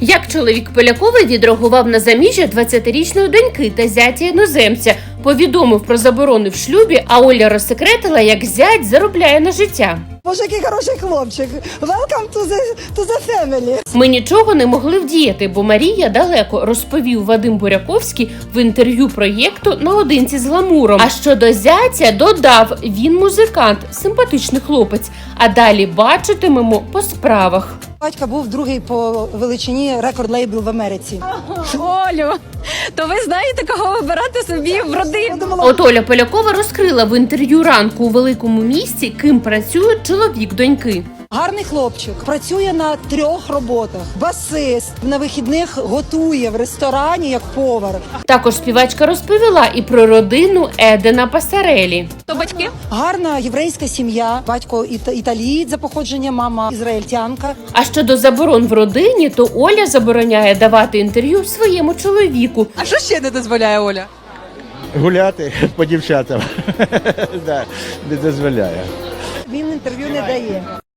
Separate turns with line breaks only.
Як чоловік Полякової відреагував на заміжжя 20-річної доньки та зятя іноземця, повідомив про заборони в шлюбі, а Оля розсекретила, як зять заробляє на життя.
Боже, який хороший хлопчик. Welcome to the family.
Ми нічого не могли вдіяти, бо Марія далеко, розповів Вадим Буряковський в інтерв'ю проєкту «Наодинці з гламуром». А щодо зятя додав, він музикант, симпатичний хлопець, а далі бачитимемо по справах.
Батько був другий по величині рекорд-лейбл в Америці.
Олю, то ви знаєте, кого вибирати собі в родину?
От Оля Полякова розкрила в інтерв'ю «Ранку» у великому місті, ким працює чоловік доньки.
Гарний хлопчик, працює на 3 роботах. Басист, на вихідних готує в ресторані як повар.
Також співачка розповіла і про родину Едена Пасарелі.
То батьки?
Гарна єврейська сім'я, батько італієць за походженням, мама ізраїльтянка.
А щодо заборон в родині, то Оля забороняє давати інтерв'ю своєму чоловіку.
А що ще не дозволяє Оля?
Гуляти по дівчатам. Не дозволяє.
Він інтерв'ю не дає.